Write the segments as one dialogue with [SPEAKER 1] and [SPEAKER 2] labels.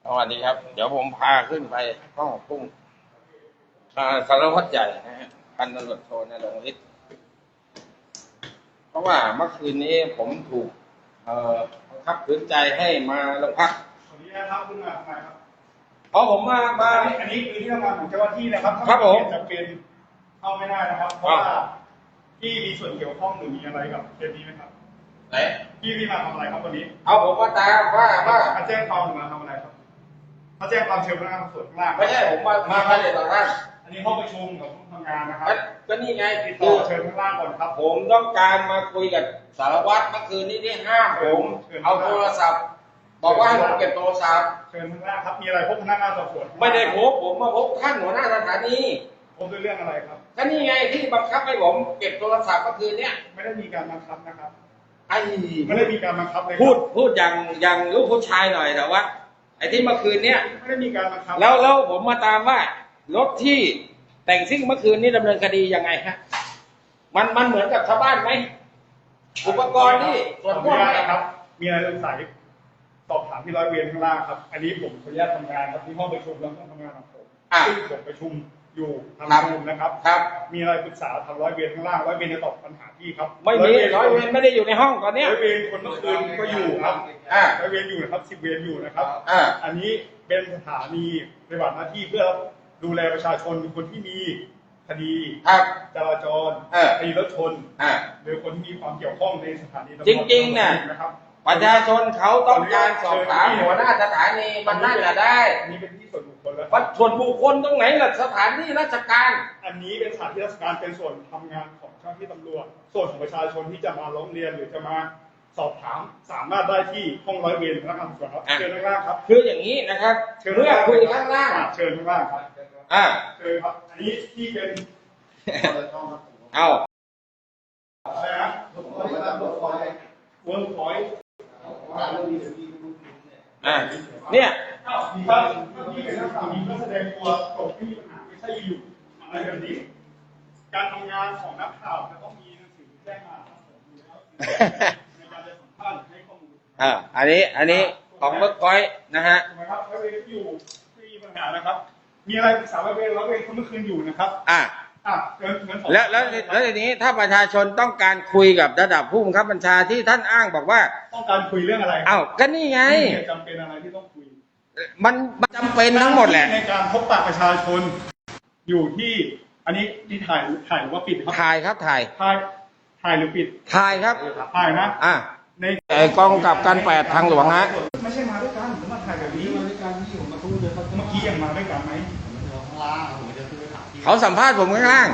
[SPEAKER 1] สวัสดีครับ เดี๋ยวผมพาขึ้นไปห้องพุ่งสารวัตรใหญ่นะฮะพันตำรวจโทณรงค์ฤทธิ์เพราะว่าเมื่อคืนนี้ผมถูกบังคับขืนใจให้มาโรงพัก
[SPEAKER 2] ขออนุญาตครับคุณมาทำไมครับ
[SPEAKER 1] เพราะผมมา
[SPEAKER 2] อันนี้คือที่ทำงานของเจ้าหน้าที่นะครับ
[SPEAKER 1] ครับผม
[SPEAKER 2] จะเป็นเข้าไม่ได้นะครับเพราะว่าพี่มีส่วนเกี่ยวข้องหรือมีอะไรกับเคสนี้ไหมครับ
[SPEAKER 1] ไหน
[SPEAKER 2] พี่มาทำอะไรครับวันนี้
[SPEAKER 1] เอาผมมาตามว่า
[SPEAKER 2] มาแจ้งความหรือมาทำอะไรครับมาแจ้งความเชิญพนักงานสอบสวนข้างล่าง
[SPEAKER 1] ไม่ใช่ผมมาเลยต่อท่าน
[SPEAKER 2] อันนี้ห้องประชุมกับห้องทำงานนะครับ
[SPEAKER 1] ก็นี่ไง
[SPEAKER 2] คือเชิญข้างล่างก่อนครับ
[SPEAKER 1] ผมต้องการมาคุยกับสารวัตรเมื่อคืนนี้ที่ห้ามผมเอาโทรศัพท์บอกว่าให้ผมเก็บโทรศัพท์
[SPEAKER 2] เชิญข้างล่างครับมีอะไรพบพนักงานสอบสวน
[SPEAKER 1] ไม่ได้พบผมมาพบท่านหัวหน้าสถานี
[SPEAKER 2] พบด้วยเรื่องอะไรครับ
[SPEAKER 1] ก็นี่ไงที่บังคับให้ผมเก็บโทรศัพท์เมื่อคืนเนี้ย
[SPEAKER 2] ไม่ได้มีการบังคับนะครับ
[SPEAKER 1] ไม่
[SPEAKER 2] ได้มีการบังคับเลย
[SPEAKER 1] พูดอย่างลูกผู้ชายหน่อยแต่ว่าไอ้ที่เมื่อคืนเนี้ย
[SPEAKER 2] ไม่ได้มีการบังคับ
[SPEAKER 1] แล้วผมมาตามว่ารถที่แต่งซิ่งเมื่อคืนนี้ดำเนินคดียังไงฮะมันเหมือนกับชาวบ้านไหมอุปกรณ์ที่
[SPEAKER 2] ส่วนพวกนะครับมีอะไรสงสัยสอบถามที่ร้อยเวรข้างล่างครับอันนี้ผมขออนุญาตทำงานครับที่ห้องประชุมแล้วห้องทำงานของผมซึ่งผมประชุมอยู่ทำประชุมนะครับมีอะไรปรึกษาทางร้อยเวรข้างล่างร้อยเวรจะตอบปัญหาที่ครับ
[SPEAKER 1] ไม่มีร้อยเวรไม่ได้อยู่ในห้องตอนนี้
[SPEAKER 2] ร้อยเวรคนเมื่อคืนก็อยู่ครับร้อยเวรอยู่นะครับ10 เวรอยู่นะครับอันนี้เป็นสถานีปฏิบัติหน้าที่เพื่อดูแลประชาชนคนที่มีคดีจราจรคดีรถชนหรือคนที่มีความเกี่ยวข้องในสถานี
[SPEAKER 1] จริงๆเนี่ยประชาชนเขาต้องการสอบถามหัวหน้าสถานีมันน่าจะได้
[SPEAKER 2] นี่เป็นที่ส่วนบุคคลแล้ว
[SPEAKER 1] ส่วนบุคคลตรงไหนล่ะสถานที่ราชการ
[SPEAKER 2] อันนี้เป็นสถานที่ราชการเป็นส่วนทำงานของเจ้าหน้าที่ตำรวจส่วนของประชาชนที่จะมาร้องเรียนหรือจะมาสอบถามสามารถได้ที่ห้องร้อยเวรพนักงานสอบสวนครับเชิญข้างล่างครับ
[SPEAKER 1] คืออย่างนี้นะครับเมื่อคุยข้างล่าง
[SPEAKER 2] เชิญข้างล่างครับเชิญครับอันนี้ที่เป็น
[SPEAKER 1] เอา
[SPEAKER 2] อะไรนะเวิร์กพอยต์
[SPEAKER 1] เนี่ย
[SPEAKER 2] ที่เป็นนักข่าวนี้ก็แสดงตัวตกที่มีปัญหาไม่ใช่อยู่อะไรแบบนี้การทำงานของนักข่าวจะต้องมีหนังสือแจ้งมาครับผมอยู่แล้วในการจะสัมภาษณ์ให้ข้อมูล
[SPEAKER 1] อันนี้ของเวิร์กพอยต์นะฮะ
[SPEAKER 2] ถูกไหมครับร้อยเวรอยู่ไม่มีปัญหานะครับมีอะไรปรึกษาร้อยเวรคนเมื่อคืนอยู่นะครับ
[SPEAKER 1] แล้วทีนี้ถ้าประชาชนต้องการคุยกับระดับผู้บังคับบัญชาที่ท่านอ้างบอกว่า
[SPEAKER 2] ต้องการคุยเรื่องอะไร
[SPEAKER 1] ก็นี่ไง
[SPEAKER 2] จำเป็นอะไรที่ต้องคุย
[SPEAKER 1] มันจำเป็นทั้งหมดแหละ
[SPEAKER 2] ในการพบปะประชาชนอยู่ที่อันนี้ที่ถ่ายหรือว่าปิดครับ
[SPEAKER 1] ถ่ายครับถ่
[SPEAKER 2] ายหรือปิด
[SPEAKER 1] ถ่ายครับ
[SPEAKER 2] ถ่ายนะ
[SPEAKER 1] ในกองกับการ8ทางหลวงฮะ
[SPEAKER 2] ไม่ใช่มาด้วยกันผมมาถ่ายแบบนี้มาด้วยกันที่ผมมาพูดเลยครับเมื่อกี้ยังมาด้วยกันไหม
[SPEAKER 1] เขาสัมภาษณ์ผมข้างล่าง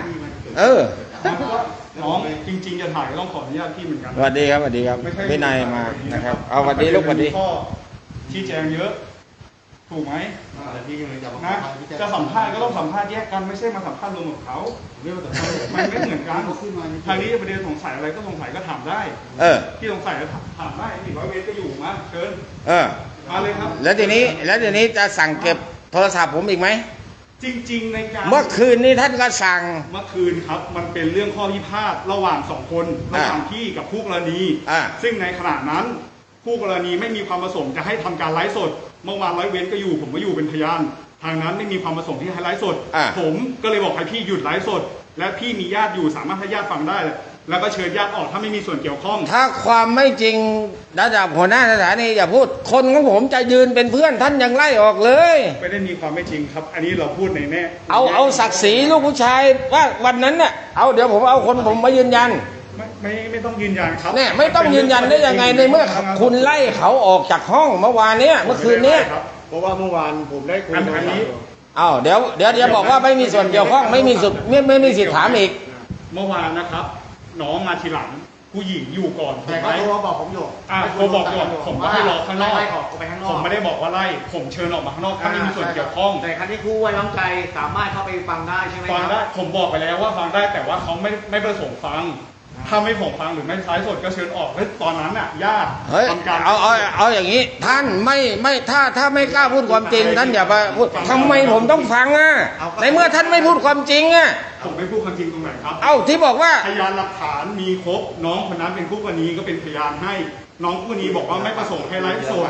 [SPEAKER 2] น้องจริงๆจะถ่ายต้องขออนุญาตพี่เหมือนกัน
[SPEAKER 1] สวัสดีครับพี่นายมานะครับเอาสวัสดีลูกสวัสดี
[SPEAKER 2] ข้อชี้แจงเยอะถูกไหมนะจะสัมภาษณ์ก็ต้องสัมภาษณ์แยกกันไม่ใช่มาสัมภาษณ์รวมกับเขามันไม่เหมือนกันทางนี้ประเด็นสงสัยอะไรก็สงสัยก็ถามได้ที่สงสัยก็ถามได้อีกร้อยเวรก็อยู่มาเชิญมาเลยครับ
[SPEAKER 1] แล้วทีนี้จะสั่งเก็บโทรศัพท์ผมอีกไหม
[SPEAKER 2] จริงๆในการ
[SPEAKER 1] เมื่อคืนนี้ท่านก็สั่ง
[SPEAKER 2] เมื่อคืนครับมันเป็นเรื่องข้อพิพาทระหว่าง2 คนระหว่างพี่กับคู่กรณีซึ่งในขณะนั้นคู่กรณีไม่มีความประสงค์จะให้ทำการไลฟ์สดเมื่อวานร้อยเวรก็อยู่ผมก็อยู่เป็นพยานทางนั้นไม่มีความประสงค์ที่ให้ไลฟ์สดผมก็เลยบอกให้พี่หยุดไลฟ์สดและพี่มีญาติอยู่สามารถให้ญาติฟังได้แล้วก็เชิญญาติออกถ้าไม่มีส่วนเกี่ยวข้อง
[SPEAKER 1] ถ้าความไม่จริงระดับหัวหน้าสถานีอย่าพูดคนของผมจะยืนเป็นเพื่อนท่านยังไล่ออกเลย
[SPEAKER 2] ไม่ได้มีความไม่จริงครับอันนี้เราพูดในแน่
[SPEAKER 1] เอาศักดิ์ศรีลูกผู้ชายว่าวันนั้นเนี่ยเดี๋ยวผมเอาคนผมมายืนยัน
[SPEAKER 2] ไม่ต้องยืนยันครับ
[SPEAKER 1] เนี่ยไม่ต้องยืนยันได้ยังไงในเมื่อคุณไล่เขาออกจากห้องเมื่อวานเนี้ยเมื่อคืนเนี้ย
[SPEAKER 2] เพราะว่าเมื่อวานผมได้คุยอันนี้
[SPEAKER 1] เดี๋ยวบอกว่าไม่มีส่วนเกี่ยวข้องไม่มีสิทธิ์ถามอีก
[SPEAKER 2] เมื่อวานนะครับน้องมาทีหลังผู้หญิงอยู่ก่อน
[SPEAKER 3] แต่เขาโทรบอกผมอยู่
[SPEAKER 2] โทรบอกก่อนผมก็ให้รอข้างนอกผมไม่ได้บอกว่าไล่ผมเชิญออกมาข้างนอกถ้าไม่มีส่วนเกี่ยวข้อง
[SPEAKER 3] แต่ครั้งที่ครูไว้วางใจสามารถเข้าไปฟังได้ใช่ไหม
[SPEAKER 2] ฟังได้ผมบอกไปแล้วว่าฟังได้แต่ว่าเขาไม่ประสงค์ฟังถ้าไม่ผมฟังหรือไม่ใช้สดก็เชิญออกตอนนั้นน่ะญาติ
[SPEAKER 1] ทำการเอาอย่างนี้ท่านไม่ถ้าไม่กล้าพูดความจริงท่านอย่าไปพูดทำไมผมต้องฟังในเมื่อท่านไม่พูดความจริง
[SPEAKER 2] ผมไม่พูดความจริงตรงไหนครับ
[SPEAKER 1] ที่บอกว่า
[SPEAKER 2] พยานหลักฐานมีครบน้องคนนั้นเป็นคู่กรณีก็เป็นพยานให้น้องคู่กรณีบอกว่าไม่ประสงค์ให้ไลฟ์สด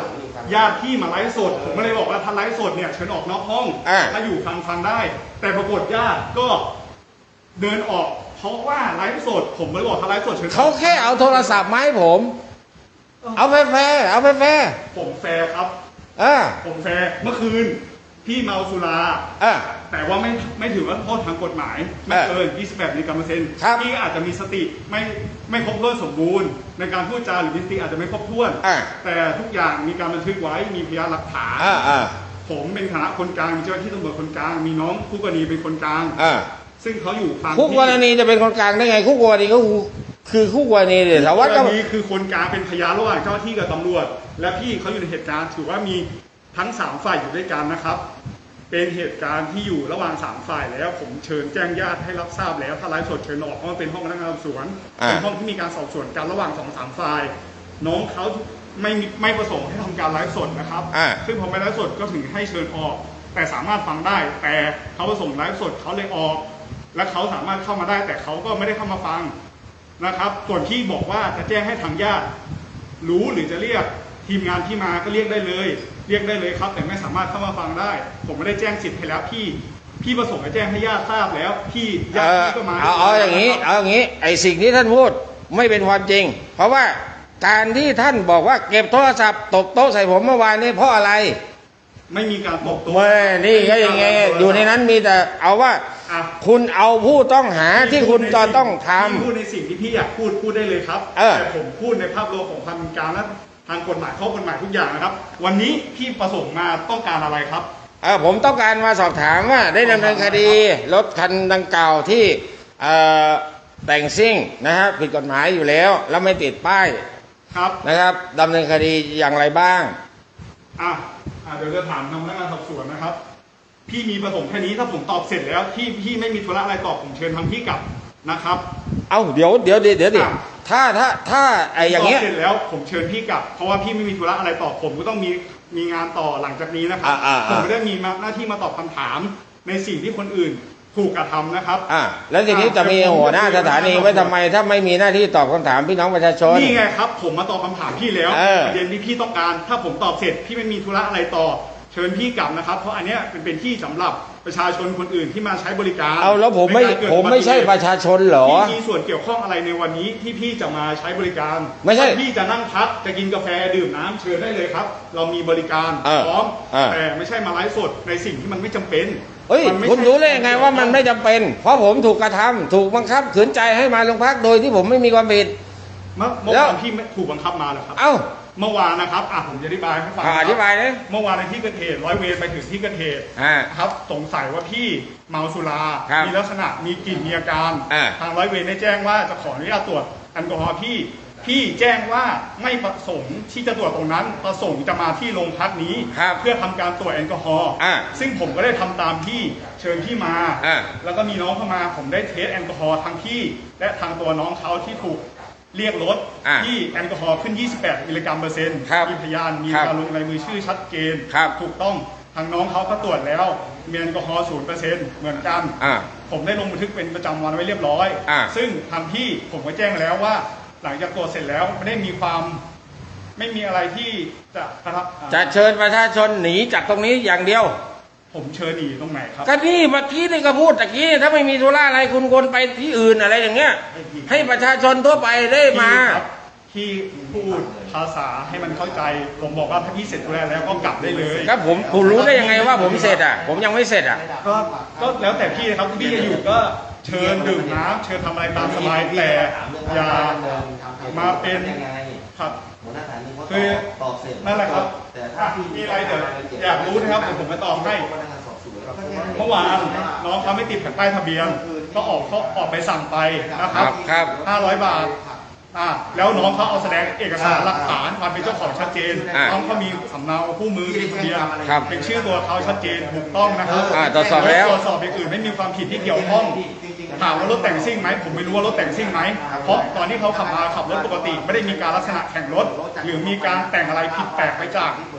[SPEAKER 2] ญาติพี่มาไลฟ์สดผมก็เลยบอกว่าถ้าไลฟ์สดเนี่ยเชิญออกนอกห้องถ้าอยู่ฟังได้ แต่ปรากฏญาติก็เดินออกเพราะว่าไลฟ์สดผมไม่ได้บอกถ้าไลฟ์สดเชิญ
[SPEAKER 1] เขาแค่เอาโทรศัพท์มาให้ผม เอาแฟร์เอาแฟร์
[SPEAKER 2] ผมแฟร์ครับ ผมแฟร์เมื่อคืนพี่เมาสุราแต่ว่าไม่ถือว่าโทษทางกฎหมายไม่เกิน 28 มิลลิกรัมเปอร์เซ็นต์พี่อาจจะมีสติไม่ครบถ้วนสมบูรณ์ในการพูดจาหรือมีสติอาจจะไม่ครบถ้วนแต่ทุกอย่างมีการบันทึกไว้มีพยานหลักฐานผมเป็นฐานะคนกลางมีเจ้าหน้าที่ตำรวจคนกลางมีน้องคู่กรณีเป็นคนกลางซึ่งเขาอยู่ฟัง
[SPEAKER 1] คู่กรณีจะเป็นคนกลางได้ไงคู่กรณีก็คือคู่กรณีเนี่ยแต่ว่าก็
[SPEAKER 2] นี้คือคนกลางเป็นพยานระหว่างเจ้าหน้าที่กับตำรวจและพี่เขาอยู่ในเหตุการณ์ถือว่ามีทั้ง3ฝ่ายอยู่ด้วยกันนะครับเป็นเหตุการณ์ที่อยู่ระหว่าง3ฝ่ายแล้วผมเชิญแจ้งญาติให้รับทราบแล้วถ้าไลฟ์สดเชิญออกเพราะมันเป็นห้องพนักงานสอบสวนเป็นห้องที่มีการสอบสวนกันระหว่าง2-3ฝ่ายน้องเขาไม่ประสงค์ให้ทำการไลฟ์สดนะครับซึ่งพอไม่ไลฟ์สดก็ถึงให้เชิญออกแต่สามารถฟังได้แต่เขาประสงค์ไลฟ์สดเขาเลยออกและเขาสามารถเข้ามาได้แต่เขาก็ไม่ได้เข้ามาฟังนะครับส่วนที่บอกว่าจะแจ้งให้ทางญาติรู้หรือจะเรียกทีมงานที่มาก็เรียกได้เลยครับแต่ไม่สามารถเข้ามาฟังได้ผมไม่ได้แจ้งสิทธิ์ให้แล้วพี่ประสงค์จะแจ้งให้ญาติทราบแล้วพี่ญาติพี่ก็มา
[SPEAKER 1] เอาอย่างนี้ไอ้สิ่งที่ท่านพูดไม่เป็นความจริงเพราะว่าการที่ท่านบอกว่าเก็บโทรศัพท์ตบโต๊ะใส่ผมเมื่อวานนี้เพราะอะไร
[SPEAKER 2] ไม่มีการตบโต๊ะ
[SPEAKER 1] นี่ก็ยังไงอยู่ในนั้นมีแต่เอาว่าคุณเอาผู้ต้องหาที่คุณจะต้องทำ
[SPEAKER 2] พูดในสิ่งที่พี่อยากพูดได้เลยครับแต่ผมพูดในภาพรวมของความเป็นกลางและทางกฎหมายข้อกฎหมายทุกอย่างนะครับวันนี้พี่ประสงค์มาต้องการอะไรครับ
[SPEAKER 1] ผมต้องการมาสอบถามว่าได้ดำเนินคดีรถคันดังกล่าวที่แต่งซิ่งนะครับผิดกฎหมายอยู่แล้วไม่ติดป้ายนะครับดำเนินคดีอย่างไรบ้าง
[SPEAKER 2] เดี๋ยวจะถามทางพนักงานสอบสวนนะครับพี่มีประสงค์แค่นี้ถ้าผมตอบเสร็จแล้วพี่ไม่มีธุระอะไรตอบผมเชิญทางพี่กลับนะครับ
[SPEAKER 1] เดี๋ยวถ้าไอ้อย่างเงี้ย
[SPEAKER 2] เสร็จแล้วผมเชิญพี่กลับเพราะว่าพี่ไม่มีธุระอะไรตอบผมก็ต้องมีงานต่อหลังจากนี้นะครับผมไม่ได้มีหน้าที่มาตอบคำถามในสิ่งที่คนอื่นถูกกระทำนะครับ
[SPEAKER 1] แล้วทีนี้จะมีหัวหน้าสถานีไว้ทำไมถ้าไม่มีหน้าที่ตอบคำถามพี่น้องประชาชน
[SPEAKER 2] นี่ไงครับผมมาตอบคำถามพี่แล้วประเด็นที่พี่ต้องการถ้าผมตอบเสร็จพี่ไม่มีธุระอะไรต่อเชิญพี่กลับนะครับเพราะอันเนี้ยเป็นที่สำหรับประชาชนคนอื่นที่มาใช้บริการ
[SPEAKER 1] แล้วผมไม่ใช่ประชาชนเหรอ
[SPEAKER 2] พี่มีส่วนเกี่ยวข้องอะไรในวันนี้ที่พี่จะมาใช้บริการ
[SPEAKER 1] ไม่ใช่
[SPEAKER 2] พี่จะนั่งพักจะกินกาแฟดื่มน้ำเชิญได้เลยครับเรามีบริการพร้อมแต่ไม่ใช่มาไลฟ์สดในสิ่งที่มันไม่จำเป็น
[SPEAKER 1] คุณรู้ได้ยังไงว่ามันไม่จำเป็นเพราะผมถูกกระทำถูกบังคับขืนใจให้มาโรงพักโดยที่ผมไม่มีความผิด
[SPEAKER 2] เมื่อวานพี่ถูกบังคับมาเหรอครับเมื่อวานนะครับผมจะอธิบายให้ฟัง
[SPEAKER 1] อธิบายเลย
[SPEAKER 2] เมื่อวานในที่เกิดเหตุร้อยเวรไปถึงที่เกิดเหตุครับสงสัยว่าพี่เมาสุรามีลักษณะมีกลิ่นมีอาการทางร้อยเวรได้แจ้งว่าจะขออนุญาตตรวจแอลกอฮอล์พี่แจ้งว่าไม่ประสงค์ที่จะตรวจตรงนั้นประสงค์จะมาที่โรงพักนี้เพื่อทำการตรวจแอลกอฮอล์ซึ่งผมก็ได้ทำตามที่เชิญพี่มาแล้วก็มีน้องเข้ามาผมได้เทสแอลกอฮอล์ทางพี่และทางตัวน้องเขาที่ถูกเรียกรถที่แอลกอฮอล์ขึ้น 28 มิลลิกรัมเปอร์เซ็นต์มีพยานมีการลงลายมือชื่อชัดเจนถูกต้องทางน้องเขาก็ตรวจแล้วมีแอลกอฮอล์ 0% เหมือนกันผมได้ลงบันทึกเป็นประจำวันไว้เรียบร้อยซึ่งทางพี่ผมก็แจ้งแล้วว่าหลังจากตรวจเสร็จแล้วไม่ได้มีอะไรที่
[SPEAKER 1] จะเชิญประชาชนหนีจากตรงนี้อย่างเดียว
[SPEAKER 2] ผมเชิญหนีตรงไหนครับ
[SPEAKER 1] ก็นี่เมื่อกี้นี่ก็พูดตะกี้ถ้าไม่มีธุระอะไรคุณควรไปที่อื่นอะไรอย่างเงี้ยให้ประชาชนทั่วไปได้มา
[SPEAKER 2] ที่พูดภาษาให้มันเข้าใจผมบอกว่าถ้าพี่เสร็จธุระแล้วก็กลับได้เลย
[SPEAKER 1] ครับผมรู้ได้ยังไงว่าผมเสร็จผมยังไม่เสร็จ
[SPEAKER 2] ก็แล้วแต่พี่ครับพี่จะอยู่ก็เชิญดื่มน้ำเชิญทำอะไรตามสบายแต่อย่ามาเป็นครับคือนั่นแหละครับมีอะไรเดี๋ยวอยากรู้นะครับผมมาตอบให้เมื่อวานน้องเขาไม่ติดแผ่นป้ายทะเบียนก็ออกไปสั่งไปนะครับ500 บาทแล้วน้องเขาเอาแสดงเอกสารหลักฐานความเป็นเจ้าของชัดเจนน้องเขามีสำเนาคู่มือทะเบียนเป็นชื่อตัวเขาชัดเจนถูกต้องนะครับ
[SPEAKER 1] ตรวจสอบแล้ว
[SPEAKER 2] ตรวจสอบอย่างอื่นไม่มีความผิดที่เกี่ยวข้องถามว่ารถแต่งซิ่งไหมผมไม่รู้ว่ารถแต่งซิ่งไหมเพราะตอนที่เขาขับรถปกติไม่ได้มีการลักษณะแข่งรถหรือมีการแต่งอะไรผิดแปลกไปจาก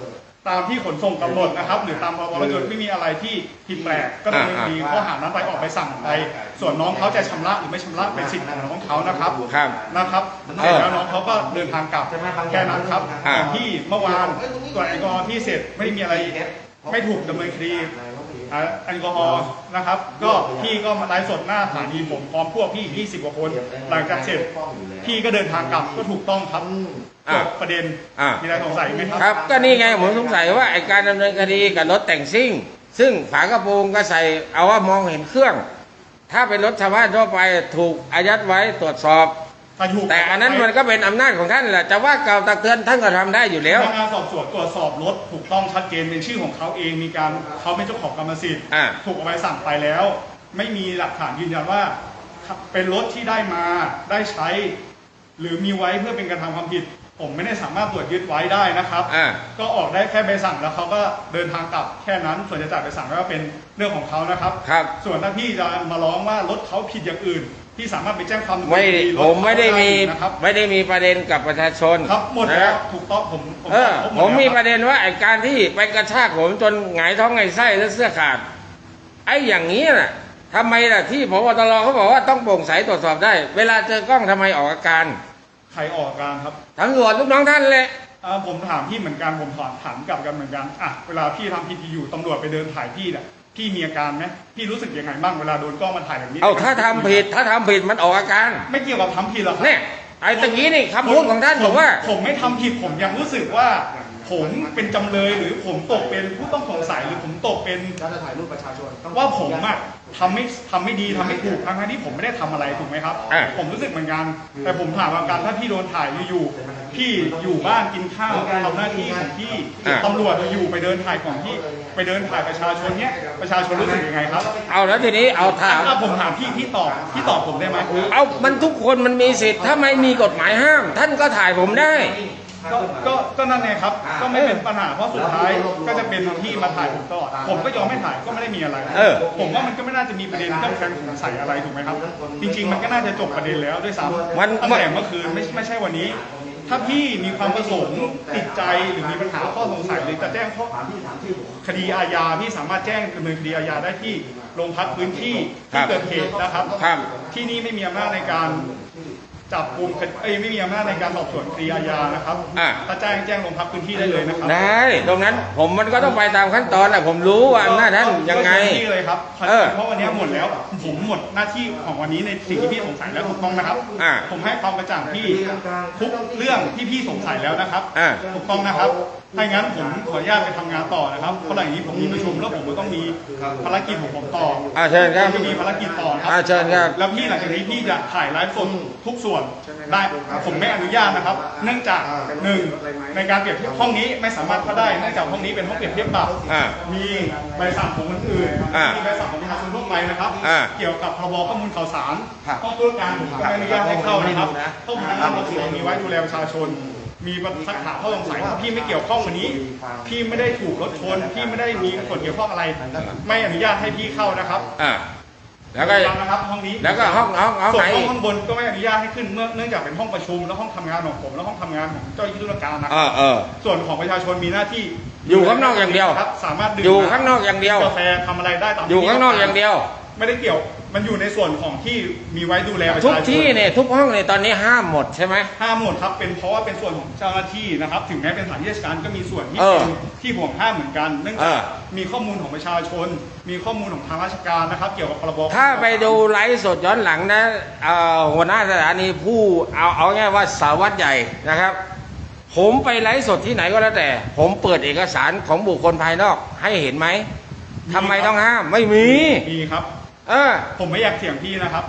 [SPEAKER 2] ตามที่ขนส่งกำหนดนะครับหรือตามพรบรถยนต์ไม่มีอะไรที่ผิดแปลกก็ดำเนินคดีข้อหานั้นไปออกไปสั่งไปส่วนน้องเขาจะชำระหรือไม่ชำระเป็นสิทธิ์ของน้องเขานะครับ
[SPEAKER 1] ครับ
[SPEAKER 2] นะครับเสร็จแล้วน้องเขาก็เดินทางกลับแค่นั้นครับ
[SPEAKER 1] อ่า
[SPEAKER 2] ที่เมื่อวานตรวจแอลกอฮอล์ที่เสร็จไม่ได้มีอะไรไม่ถูกดำเนินคดีแอลกอฮอล์นะครับก็พี่ก็มาไลฟ์สดหน้าสถานีผมพร้อมพวกพี่20 กว่าคนหลังจากเสร็จพี่ก็เดินทางกลับก็ถูกต้องครับจบประเด็นมีอะไรสงสัยไหมครับ
[SPEAKER 1] ครับก็นี่ไงผมสงสัยว่าไอการดำเนินคดีกับรถแต่งซิ่ง ซึ่งฝากระโปรงก็ใส่เอาว่ามองเห็นเครื่อง ถ้าเป็นรถชาวบ้านทั่วไปถูกอายัดไว้ตรวจสอบ แต่อันนั้นมันก็เป็นอำนาจของท่านแหละจะว่าเกล่าวตักเตือนท่านก็ทำได้อยู่แล้ว
[SPEAKER 2] พนักงานสอบสวนตรวจสอบรถถูกต้องชัดเจนเป็นชื่อของเขาเองมีการเขาเป็นเจ้าของกรรมสิทธิ์ถูกเอาไปสั่งไปแล้ว ไม่มีหลักฐานยืนยันว่าเป็นรถที่ได้มาได้ใช้ หรือมีไว้เพื่อเป็นการทำความผิด ผมไม่ได้สามารถตรวจยึดไว้ได้นะครับก็ออกได้แค่ใบสั่งแล้วเขาก็เดินทางกลับแค่นั้นส่วนจะจ่ายใบสั่งก็เป็นเรื่องของเขานะครับ ส่วนถ้าพี่จะมาร้องว่ารถเขาผิดอย่างอื่นพี่สามารถไปแจ้งความดำเนินคดี
[SPEAKER 1] ผมไม่ได้มี
[SPEAKER 2] นะครับ
[SPEAKER 1] ไม่ได้มีประเด็นกับประชาชน
[SPEAKER 2] ครับหมดแล้วถูกต้อง
[SPEAKER 1] ผมมีประเด็นว่าไอ้การที่ไปกระชากผมจนหงายท้องไงไส้และเสื้อขาดไอ้อย่างนี้น่ะทำไมล่ะที่พบตรเขาบอกว่าต้องโปร่งใสตรวจสอบได้ เวลาเจอกล้องทำไมออกอาการ
[SPEAKER 2] ใครออกอาการครับ
[SPEAKER 1] ตำรวจลูกน้องท่านเลย
[SPEAKER 2] ผมถามพี่เหมือนกันผมถามกลับกันเหมือนกันเวลาพี่ทำผิดอยู่ตำรวจไปเดินถ่ายพี่เนี่ยพี่มีอาการไหมพี่รู้สึกยังไงบ้างเวลาโดนกล้องมาถ่ายแบบนี้
[SPEAKER 1] ถ้าทำผิดมันออกอาการ
[SPEAKER 2] ไม่เกี่ยวกับทำผิดหรอก
[SPEAKER 1] เนี่ยไอ้ตะกี้นี่คำพูดของท่านผมว่า
[SPEAKER 2] ผมไม่ทำผิดผมยังรู้สึกว่าผมเป็นจำเลยหรือผมตกเป็นผู้ต้องสงสัยหรือผมตกเป็น
[SPEAKER 3] การจะถ่ายรูปประชาชน
[SPEAKER 2] ว่าผมทำไม่ดีทำไม่ถูกทั้งที่ผมไม่ได้ทำอะไรถูกไหมครับผมรู้สึกเหมือนกันแต่ผมถามว่าการถ้าพี่โดนถ่ายอยู่พี่อยู่บ้านกินข้าวทำหน้าที่ของพี่ตำรวจอยู่ไปเดินถ่ายของพี่ไปเดินถ่ายประชาชนเนี้ยประชาชนรู้สึกยังไงครับ
[SPEAKER 1] แล้วทีนี้ถาม
[SPEAKER 2] ผมถามพี่ตอบผมได้ไหม
[SPEAKER 1] มันทุกคนมันมีสิทธิ์ถ้าไม่มีกฎหมายห้าม ท่านก็ถ่ายผมได้
[SPEAKER 2] ก็นั่นไงครับก็ไม่เป็นปัญหาเพราะสุดท้ายก็จะเป็นที่มาถ่ายผมตลอดผมก็ยอมไม่ถ่ายก็ไม่ได้มีอะไรผมว่ามันก็ไม่น่าจะมีประเด็นเรื่องการสงสัยอะไรถูกไหมครับจริงๆมันก็น่าจะจบประเด็นแล้วด้วยซ้ำตั้งแต่เมื่อคืนไม่ใช่วันนี้ถ้าพี่มีความประสงค์ติดใจหรือมีปัญหาข้อสงสัยหรือจะแจ้งข้อคดีอาญาพี่สามารถแจ้งดำเนินคดีอาญาได้ที่โรงพักพื้นที่ที่เกิดเหตุนะครับที่นี่ไม่มีอำนาจในการจับกุมไม่มีอำนาจในการสอบสวนคดีอาญานะครับถ้าแจ้งลงพักพื้นที่ได้เลยนะครับ
[SPEAKER 1] ได้ตรงนั้นมันก็ต้องไปตามขั้นตอนแหละผมรู้ว่าอำนาจนั้นยังไง
[SPEAKER 2] ที่เลยครับเพราะวันนี้หมดแล้วผมหมดหน้าที่ของวันนี้ในสิ่งที่พี่สงสัยแล้วถูกต้องนะครับผมให้ความกระจ่างพี่ทุกเรื่องที่พี่สงสัยแล้วนะครับถูกต้องนะครับถ้าอย่างนั้นผมขออนุญาตไปทำงานต่อนะครับเพราะหลังนี้ผมมีประชุมแล้วผมก็ต้องมีภารกิจของผมต่อ
[SPEAKER 1] เชิญครับ
[SPEAKER 2] มีภารกิจต่อครับ
[SPEAKER 1] เชิญครับ
[SPEAKER 2] แล้วพี่หลังจากนี้พี่จะถ่ายไลฟ์สดทุกส่วนได้ผมไม่อนุญาตนะครับเนื่องจาก1ในการเปรียบเทียบห้องนี้ไม่สามารถเข้าได้เนื่องจากห้องนี้เป็นห้องเปรียบเทียบปรับมีใบสั่งของคนอื่นมีใบสั่งของประชาชนทั่วไปนะครับเกี่ยวกับพรบข้อมูลข่าวสารห้องธุรการผมก็ไม่อนุญาตให้เข้านะครับห้องพนักงานสอบสวนมีไว้ดูแลประชาชนมีสักถามข้อสงสัยพี่ไม่เกี่ยวข้องวันนี้พี่ไม่ได้ถูกรถชนพี่ไม่ได้มีส่วนเกี่ยวข้องอะไรไม่อนุญาตให้พี่เข้านะครับ
[SPEAKER 1] แล้วก็
[SPEAKER 2] นะครับห้องนี้
[SPEAKER 1] แล้วก็ห้อง
[SPEAKER 2] ส่วน
[SPEAKER 1] ไหน
[SPEAKER 2] ข้างบนก็ไม่อนุญาตให้ขึ้นเนื่องจากเป็นห้องประชุมและห้องทำงานของผมและห้องทำงานของเจ้าหน้าที่ธุรการนะส่วนของประชาชนมีหน้าที่
[SPEAKER 1] อยู่ข้างนอกอย่างเดียว
[SPEAKER 2] ครับสามารถ
[SPEAKER 1] อยู่ข้างนอกอย่างเดียว
[SPEAKER 2] กาแฟทำอะไรได้ตาม
[SPEAKER 1] อยู่ข้างนอกอย่างเดียว
[SPEAKER 2] ไม่ได้เกี่ยวมันอยู่ในส่วนของที่มีไว้ดูแลประชาชน
[SPEAKER 1] ทุกที่เนี่ยทุกห้องเนี่ยตอนนี้ห้ามหมดใช่ไหม
[SPEAKER 2] ห้ามหมดครับเป็นเพราะว่าเป็นส่วนของเจ้าหน้าที่นะครับถึงแม้เป็นสถานที่ราชการก็มีส่วนที่ห่วงห้ามเหมือนกันเนื่องจากมีข้อมูลของประชาชนมีข้อมูลของทางราชการนะครับเกี่ยวกับพรบ
[SPEAKER 1] ถ้าไปดูไลฟ์สดย้อนหลังนะหัวหน้าสถานีผู้เอาง่ายว่าสารวัตรใหญ่นะครับผมไปไลฟ์สดที่ไหนก็แล้วแต่ผมเปิดเอกสารของบุคคลภายนอกให้เห็นไหมทำไมต้องห้ามไม่มี
[SPEAKER 2] ครับผมไม่อยากเถียงพี่นะครับ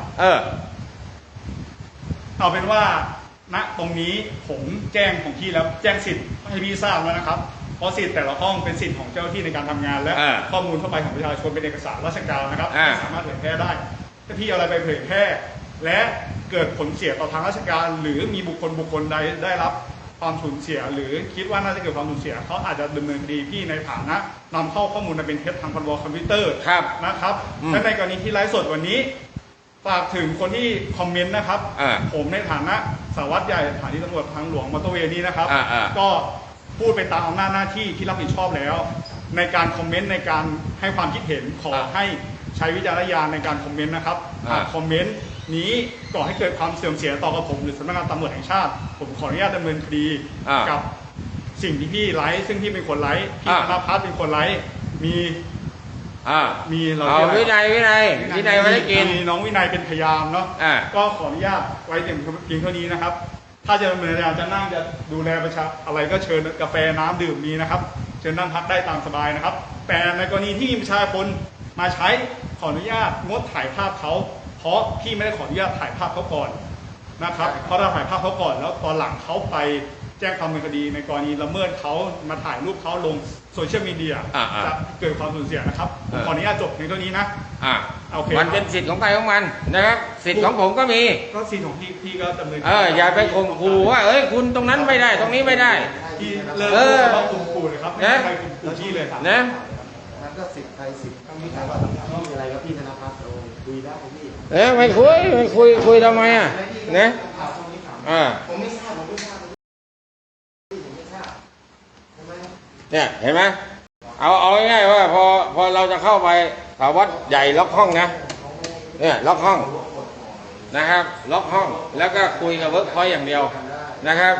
[SPEAKER 2] เอาเป็นว่าณตรงนี้ผมแจ้งของพี่แล้วแจ้งสิทธิ์ให้พี่ทราบแล้วนะครับเพราะสิทธิ์แต่ละห้องเป็นสิทธิ์ของเจ้าหน้าที่ในการทำงานและข้อมูลทั่วไปของประชาชนเป็นเอกสารราชการนะครับไม่สามารถเผยแพร่ได้ถ้าพี่เอาอะไรไปเผยแพร่และเกิดผลเสียต่อทางราชการหรือมีบุคคลใดได้รับความสูญเสียหรือคิดว่าน่าจะเกิดความสูญเสียเขาอาจจะดำเนินคดีพี่ในฐานะนำเข้าข้อมูลมาเป็นเท็จทางพรบคอมพิวเตอร์นะครับและในกรณีที่ไลฟ์สดวันนี้ฝากถึงคนที่คอมเมนต์นะครับผมในฐานะสารวัตรใหญ่สถานีตำรวจทางหลวงมอเตอร์เวย์นี้นะครับก็พูดไปตามอำนาจหน้าที่ที่รับผิดชอบแล้ว ในการคอมเมนต์ในการให้ความคิดเห็นขอให้ใช้วิจารณญาณในการคอมเมนต์นะครับคอมเมนต์นี้ก่อให้เกิดความเสื่อมเสียต่อกับผมหรือสำนักงานตำรวจแห่งชาติผมขออนุญาตดำเนินคดีกับสิ่งที่พี่ไลฟ์ซึ่งพี่เป็นคนไลฟ์พี่ธนภัทรเป็นคนไลฟ์มีเรา
[SPEAKER 1] เอาวินัยไม่ได้กิน
[SPEAKER 2] มีน้องวินัยเป็นพยานเนาะก็ขออนุญาตไว้เพียงเท่านี้นะครับถ้าจะดำเนินการจะนั่งจะดูแลประชาอะไรก็เชิญกาแฟน้ำดื่มมีนะครับเชิญนั่งพักได้ตามสบายนะครับแต่ในกรณีที่มีประชาชนมาใช้ขออนุญาตงดถ่ายภาพเขาเพราะพี่ไม่ได้ขออนุญาตถ่ายภาพเขาก่อนนะครับเพราะเราถ่ายภาพเขาก่อนแล้วตอนหลังเขาไปแจ้งความดำเนินคดีในกรณีละเมิดเขามาถ่ายรูปเขาลงโซเชียลมีเดียจะเกิดความสูญเสียนะครับขออนุญาตจบเพียงเท่านี้นะโอเค
[SPEAKER 1] มันเป็นสิทธิ์ของใครของมันนะครับสิทธิ์ของผมก็มี
[SPEAKER 2] ก็สิทธิ์ของพี่ก็ดำเนิน
[SPEAKER 1] อย่าไปข่มขู่ว่าคุณตรงนั้นไม่ได้ตรงนี้ไม่ได้
[SPEAKER 2] ที่เลิกข่มขู่เลยครับไม่ใครข่มขู่พี่เลย
[SPEAKER 1] นะ
[SPEAKER 3] นั่นก็สิทธิ์ใครสิทธิ์พี่ใครว่าพี่มีอะไรกับพี่ธนภัทรคุยได้พี่
[SPEAKER 1] ไม่คุยทำไมนะ
[SPEAKER 3] ผมไม่ทราบ
[SPEAKER 1] เนี่ยเห็นไหมเอาง่ายๆว่าพอเราจะเข้าไปสารวัตรใหญ่ล็อกห้องนะเนี่ยล็อกห้องนะครับล็อกห้องแล้วก็คุยกับเวิร์กพอยต์อย่างเดียวนะครับ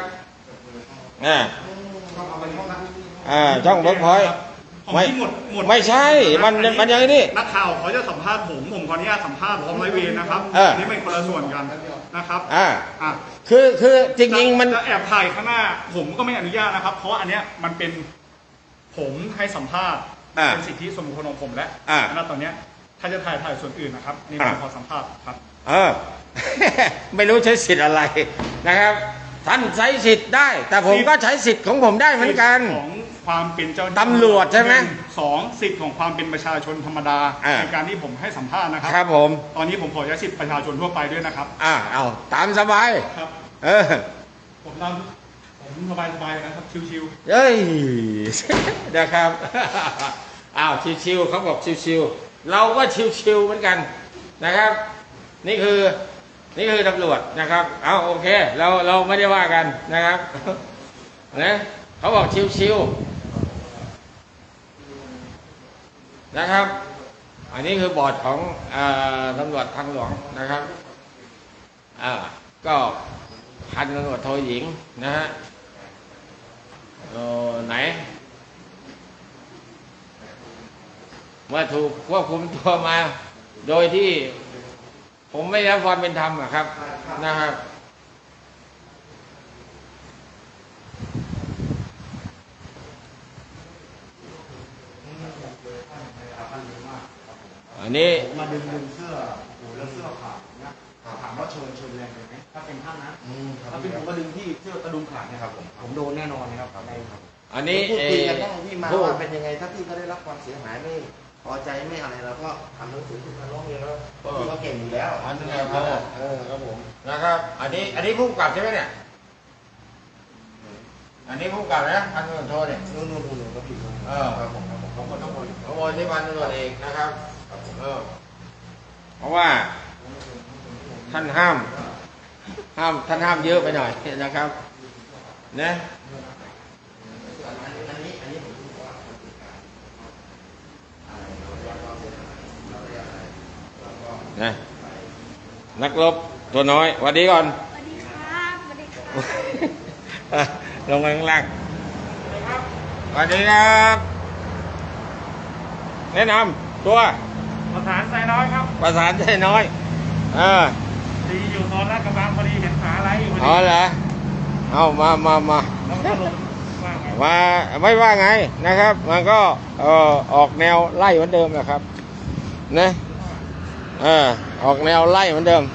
[SPEAKER 1] ช่องเวิร์กพอยต์ไม่ใช่มันอย่างนี้
[SPEAKER 2] นักข่าวเขาจะสัมภาษณ์ผมขออนุญาตสัมภาษณ์พร้อมร้อยเวรนะครับนี่เป็นคนละส่วนกันนะครับ
[SPEAKER 1] คือจริงๆมัน
[SPEAKER 2] จะแอบถ่ายข้างหน้าผมก็ไม่อนุญาตนะครับเพราะอันเนี้ยมันเป็นผมให้สัมภาษณ์เป็นสิทธิส่วนบุคคลของผมและณตอนเนี้ยถ้าจะถ่ายส่วนอื่นนะครับนี่ผมขอสัมภาษณ์ครับ
[SPEAKER 1] ไม่รู้ใช้สิทธิ์อะไรนะครับท่านใช้สิทธิ์ได้แต่ผมก็ใช้สิทธิ์ของผมได้เหมือนกัน
[SPEAKER 2] ของความเป็นเจ้า
[SPEAKER 1] ตำรวจใช่ไหม
[SPEAKER 2] 2สิทธิ์ของความเป็นประชาชนธรรมดาในการที่ผมให้สัมภาษณ์นะครับ
[SPEAKER 1] ครับผม
[SPEAKER 2] ตอนนี้ผมขอใช้สิทธิ์ประชาชนทั่วไปด้วยนะครับ
[SPEAKER 1] เอาตามสบาย
[SPEAKER 2] ครับผมสบายนะครับชิว
[SPEAKER 1] ๆเฮ้ยนะครับชิวๆเขาบอกชิวๆเราก็ชิวๆเหมือนกันนะครับนี่คือตำรวจนะครับโอเคเราไม่ได้ว่ากันนะครับนะเขาบอกชิวๆนะครับอันนี้คือบอร์ดของตำรวจทางหลวงนะครับก็พันตำรวจโทหญิงนะฮะไหนเมื่อถูกควบคุมตัวมาโดยที่ผมไม่ได้รับความเป็นธรรมครับนะครับอันนี้
[SPEAKER 3] มาดึงเสื้อแล้วเสื้อขาดนะถามว่าเชิญแรงไหมถ้าเป็นท่านนะถ้าเป็นผมก็ดึงที่เสื้อกระดุมขาดนะครับผมโดนแน่นอนนะครับ
[SPEAKER 1] อันนี้
[SPEAKER 3] พูดคุยกันต้องพี่มาว่าเป็นยังไงถ้าพี่ก็ได้รับความเสียหายไม่พอใจไม่อะไรเราก็ทำหนังสือขึ้นมาร้องเรียนแล้วพี่เขาเก่งอยู่แล้ว
[SPEAKER 1] อันนี้ครับผมนะครับอันนี้ผู้กำกับใช่ไหมเนี่ยอันนี้ผู้กำกับนะพันตำรวจโทเนี่ย
[SPEAKER 3] นู่นก็ผิด
[SPEAKER 1] ครับผมขโมยที่พันตำรวจเอกนะครับเพราะว่าท่านห้ามเยอะไปหน่อยนะครับนะนักรบตัวน้อยสวัสดีก่อน
[SPEAKER 4] สวัสดีครับสวัสดีครับ
[SPEAKER 1] ลงมาข้างล่างสวัสดีครับแนะนำตัว
[SPEAKER 2] ประสานใจน้อยครับ
[SPEAKER 1] ประสานใจน้อย
[SPEAKER 2] ดีอยู่ตอนแรกกำลังพอดีเห็นขาอะไรอยู่พอดี
[SPEAKER 1] เหรอเอามาไม่ว่าไงนะครับมันก็ออกแนวไล่เหมือนเดิมนะครับนะออกแนวไล่เหมือนเดิม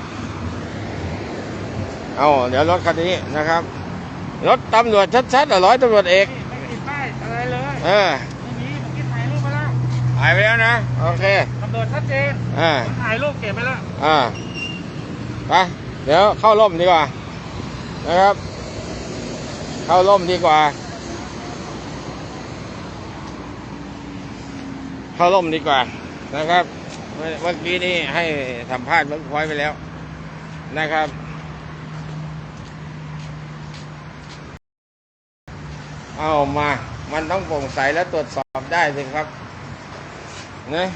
[SPEAKER 1] เดี๋ยวรถคันนี้นะครับรถตำรวจชัดๆร้อยตำรวจเอก
[SPEAKER 2] ไม่ติดป้ายอะไรเลย
[SPEAKER 1] ไม่
[SPEAKER 2] มีผมกินถ่ายรูปไปแล้ว
[SPEAKER 1] ถ่ายไปแล้วนะโอเค
[SPEAKER 2] ตำรวจชัดเจนถ่ายรูปเก็บไปแล้ว
[SPEAKER 1] ไปเดี๋ยวเข้าร่มดีกว่านะครับเข้าร่มดีกว่าเข้าร่มดีกว่านะครับเมื่อกี้นี้ให้สัมภาษณ์เวิร์กพอยต์ไปแล้วนะครับเอามา มันต้องโปร่งใสและตรวจสอบได้สิครับนะ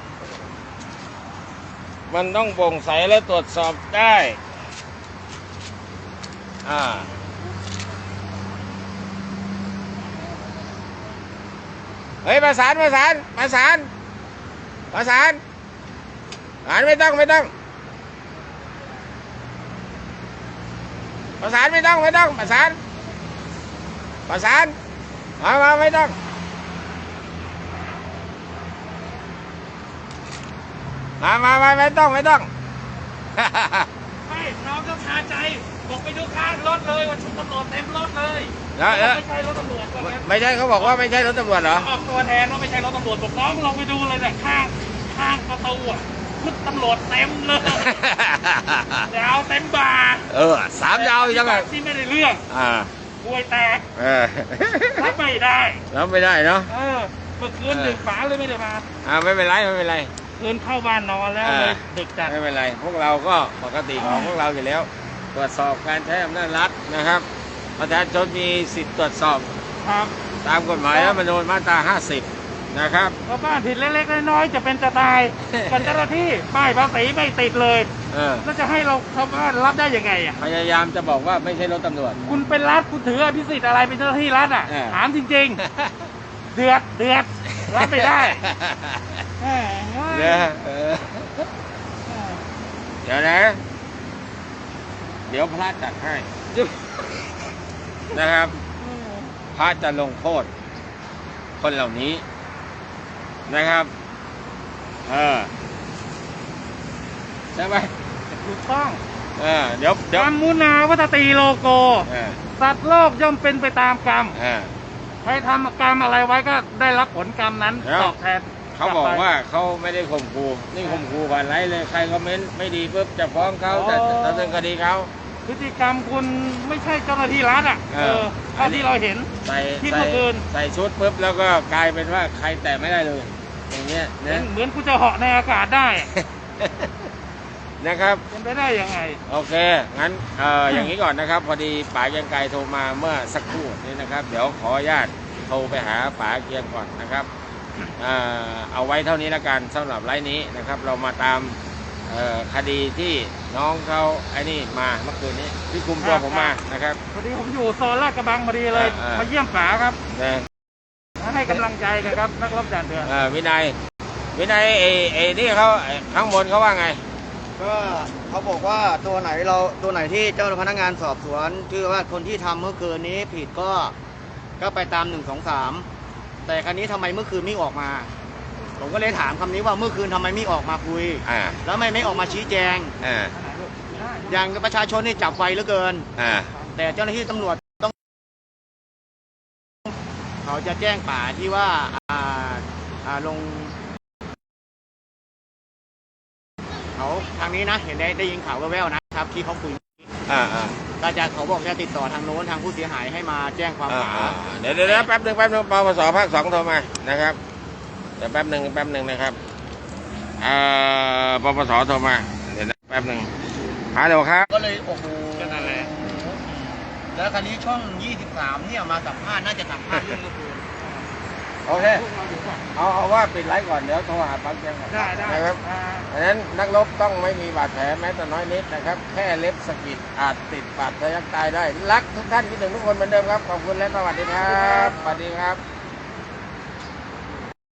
[SPEAKER 1] มันต้องโปร่งใสและตรวจสอบได้เฮ้ยประสานไม่ต้องประสานไม่ต้องประสานไม่ต้องมาไม่ต้องไม่ต้อง
[SPEAKER 5] ไม่น้องก็คาใจบอกไปดูข้างรถเลยว่าชุดตำรวจเต็มรถเลย
[SPEAKER 1] แล้ว
[SPEAKER 5] ไม่ใช่รถตำรวจว่างั้น
[SPEAKER 1] ไม่ใช่เขาบอกว่าไม่ใช่รถตำรวจเหรอ
[SPEAKER 5] ออกตัวแทนว่าไม่ใช่รถตำรวจบอกน้องลองไปดูเลยเนี่ยข้างประตูอ่ะชุดตำรวจเต็มเลยดาวเต็มบ่า
[SPEAKER 1] 3 ดาวยังไง
[SPEAKER 5] ที่ไม่ได้เรื่องป่วยแตกรับไม่ได้
[SPEAKER 1] รับไม่ได้เนาะ
[SPEAKER 5] เมื่อคืนดึกฝาเลยไม่ได้มา
[SPEAKER 1] ไม่เป็นไร
[SPEAKER 5] คืนเข้าบ้านนอนแล้วเลยดึกจัด
[SPEAKER 1] ไม่เป็นไรพวกเราก็ปกติของพวกเราอยู่แล้ว ตรวจสอบการใช้อำนาจรัฐนะครับประชาชนมีสิทธิ์ตรวจสอบ
[SPEAKER 5] ครับ
[SPEAKER 1] ตามกฎหมายรัฐธรรมนูญมาตรา 50 นะครับ
[SPEAKER 5] เพราะบ้านผิดเล็กๆน้อยๆจะเป็นจะตายกับเจ้าหน้าที่ป้ายภาษีไม่ติดเลยแล้วจะให้เราชาวบ้านรับได้ยังไงอ่ะ
[SPEAKER 1] พยายามจะบอกว่าไม่ใช่รถตำรวจ
[SPEAKER 5] คุณเป็นรัฐคุณถืออภิสิทธิ์อะไรเป็นเจ้าหน้าที่รัฐอ่ะถามจริงๆ เดือดรับไม่ได้
[SPEAKER 1] เดี๋ยวนะ เดี๋ยวพระจัดให้นะครับพระจะลงโทษคนเหล่านี้นะครับใช่ไหม
[SPEAKER 5] ถูกต้อง
[SPEAKER 1] เดี๋ยว
[SPEAKER 5] กรรมมุนาวัตตีโลโกสัตว์โลกย่อมเป็นไปตามกรรมใครทำกรรมอะไรไว้ก็ได้รับผลกรรมนั้นตอบแทน
[SPEAKER 1] เขาบอกว่าเขาไม่ได้ข่มขู่นี่ข่มขู่ผ่านไลฟ์เลยใครคอมเมนต์ไม่ดีปุ๊บจะฟ้องเขาจะดำเนินคดีเขา
[SPEAKER 5] พฤติกรรมคุณไม่ใช่เจ้าหน้าที่รัฐอ่ะเท่าที่เราเห็นที่เมื่อคืน
[SPEAKER 1] ใส่ชุดปุ๊บแล้วก็กลายเป็นว่าใครแตะไม่ได้เลยอย่างเงี้ยนะ
[SPEAKER 5] เหมือนกูจะเหาะในอากาศได้
[SPEAKER 1] นะครับ
[SPEAKER 5] เป็นไปได้ยังไง
[SPEAKER 1] โอเคงั้นอย่างนี้ก่อนนะครับพอดีป๋าเกียงไกรโทรมาเมื่อสักครู่นี้นะครับเดี๋ยวขออนุญาตโทรไปหาป๋าเกียงก่อนนะครับเอาไว้เท่านี้แล้วกันสำหรับไลฟ์นี้นะครับเรามาตามคดีที่น้องเขาไอ้นี่มาเมื่อคืนนี้ที่คุมตัวผมมานะครับ
[SPEAKER 5] พอดีผมอยู่โซนลาดกระบังพอดีเลยมาเยี่ยมป๋าครับให้กำลังใจกันครับนักรบด่านเถื่อน
[SPEAKER 1] วินัยนี่เขาข้างบนเขาว่าไง
[SPEAKER 3] ก็เขาบอกว่าตัวไหนที่เจ้าพนักงานสอบสวนคือว่าคนที่ทำเมื่อคืนนี้ผิดก็ไปตาม1 2 3แต่ครั้นี้ทำไมเมื่อคืนไม่ออกมาผมก็เลยถามคำนี้ว่าเมื่อคืนทำไมไม่ออกมาคุยแล้วไม่ออกมาชี้แจงอย่างประชาชนนี่จับไวเหลือเกินแต่เจ้าหน้าที่ตำรวจต้องเขาจะแจ้งป่าที่ว่าลงเขาทางนี้นะเห็นได้ยินข่าวแว่วๆนะครับที่เขาคุยก็จะเขาบอกจะติดต่อทางโน้นทางผู้เสียหายให้มาแจ้งความ
[SPEAKER 1] เดี๋ยวแป๊บนึงปปสภาค 2โทรมานะครับเดี๋ยวแป๊บหนึ่งนะครับปปสโทรมาเดี๋ยวแป๊บหนึ่งฮัลโหลครับ
[SPEAKER 3] ก็เลยโอ้โหนั่นแหละแล้วคราวนี้ช่อง23เนี่ยมาสัมภาษณ์น่าจะสัมภาษณ์เรื่องเมื่อคืน
[SPEAKER 1] โอเคเอาว่าปิดไลฟ์ก่อนเดี๋ยวโทรหาปั๊มแจ้งก่อน
[SPEAKER 5] ได้
[SPEAKER 1] นะครับดังนั้นนักรบต้องไม่มีบาดแผลแม้แต่น้อยนิดนะครับแค่เล็บสะกิดอาจติดบาดทะยักตายได้รักทุกท่านคิดถึงทุกคนเหมือนเดิมครับขอบคุณและสวัสดีครับสวัสดีครับ